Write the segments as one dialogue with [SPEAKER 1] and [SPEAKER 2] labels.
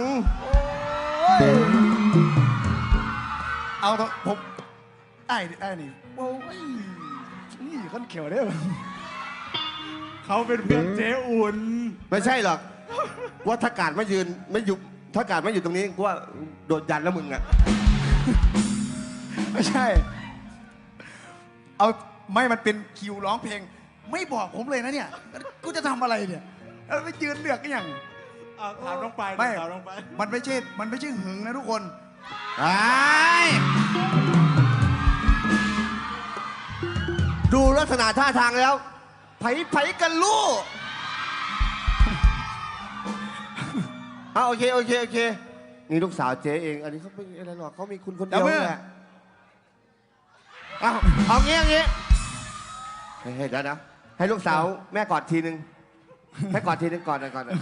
[SPEAKER 1] เอาเถอะผมไอ้นี่โอ้ยนี่คนเขียวได้ไหม
[SPEAKER 2] เขาเป็นเพื่อนเจ๊อุ่น
[SPEAKER 3] ไม่ใช่หรอกว่าถ้าการไม่ยืนไม่อยู่ถ้าการไม่อยู่ตรงนี้กูว่าโดนยันแล้วมึงอะ
[SPEAKER 1] ไม่ใช่เอาไม่มันเป็นคิวร้องเพลงไม่บอกผมเลยนะเนี่ยกูจะทำอะไรเนี่ยแล้วไปยืนเลือกกันอย่าง
[SPEAKER 2] ถามน้องไป
[SPEAKER 1] ไม่
[SPEAKER 2] ถามน้องไป
[SPEAKER 1] มันไม่ใช่หึงนะทุกคน
[SPEAKER 3] ดูลักษณะท่าทางแล้วไผกันลูกโอเคนี่ลูกสาวเจ๊เองอันนี้เขาไม่อะไรหรอกเขามีคุณคนเดียวแหละเอางี้ให้แล้วนะให้ลูกสาวแม่กอดทีนึงให้กอดทีนึงก่อน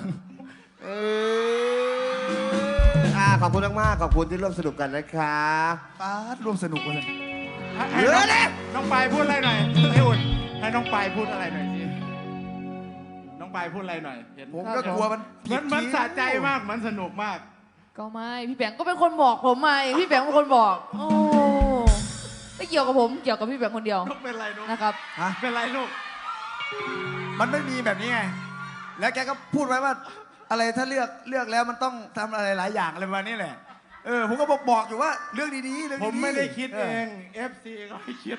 [SPEAKER 3] ขอบคุณมากๆขอบคุณที่ร่วมสนุกกันนะครับ
[SPEAKER 1] ป้าดร่วมสนุกกัน
[SPEAKER 2] ให้น้องไปพูดอะไรหน่อยเจ๊อุ่นให้น้องไปพูดอะไรหน่อยสิน้องไปพูดอะไรหน่อยเห็น
[SPEAKER 1] ผมก็กลัวมันผิด
[SPEAKER 2] มันสะใจมากมันสนุกมาก
[SPEAKER 4] ก็ไม่พี่แบงค์ก็เป็นคนบอกผมมาเองพี่แบงค์เป็นคนบอกโอ้ไม่เกี่ยวกับผมเกี่ยวกับพี่แบงค์คนเดียวน
[SPEAKER 2] กเป็นไรนก
[SPEAKER 4] นะครับ
[SPEAKER 1] ฮะ
[SPEAKER 2] เป็นไรลูก
[SPEAKER 1] มันไม่มีแบบนี้ไงแล้วแกก็พูดไว้ว่าอะไรถ้าเลือกแล้วมันต้องทำอะไรหลายอย่างอะไรประมาณนี้แหละผมก็บอกอยู่ว่าเรื่องดีๆเรื่องดีๆ
[SPEAKER 2] ผมไม่ได้คิดเอง FC ก็ไม่คิด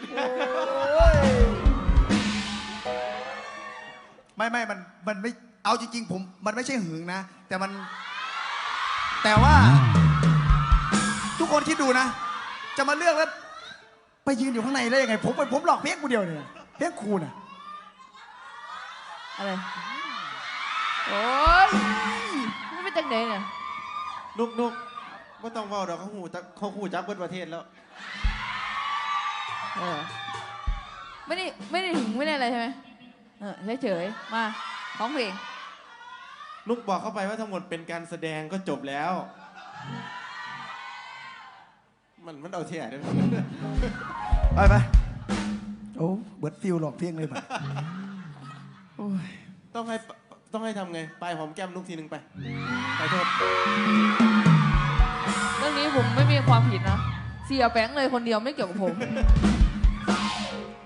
[SPEAKER 1] ไม่มันไม่เอาจริงๆมันไม่ใช่หึงนะแต่ว่า ทุกคนคิดดูนะ จะมาเลือกแล้วไปยืนอยู่ข้างในได้ยังไงผมหลอกเพี้ยงกูเดียวเนี่ยเพี้ยงคูน่ะ
[SPEAKER 4] อะไรโอ้ยไม่เป็นจังไหนเนี่ย
[SPEAKER 5] นุกไม่ต้องเว่าเดี๋ยวเขาหูจักเบิดประเทศแล้ว
[SPEAKER 4] ไม่ได้ถึงไม่ได้อะไรใช่ไหมเฉยๆมาร้องเพลง
[SPEAKER 5] นุกบอกเข้าไปว่าทั้งหมดเป็นการแสดงก็จบแล้ว มันเอาเที่ยได้ไหม
[SPEAKER 1] ไปโอ้เบิร์ดฟิลหลอกเพี้ยงเลยป่ะโอ้ย
[SPEAKER 5] ต้องให้ทำไงไปหอมแก้มนุกทีนึงไปโทษ
[SPEAKER 4] เรื่องนี้ผมไม่มีความผิดนะเสียแบงค์เลยคนเดียวไม่เกี่ยวกับผม
[SPEAKER 1] ไป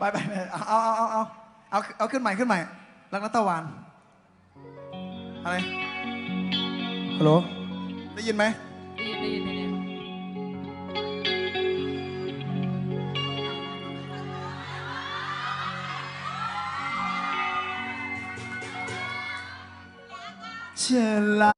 [SPEAKER 1] เอาขึ้นใหม่รักนัตวานอะไรฮัลโหลได้ยินไหม
[SPEAKER 4] ได้ยินเนี่ย
[SPEAKER 1] เชลา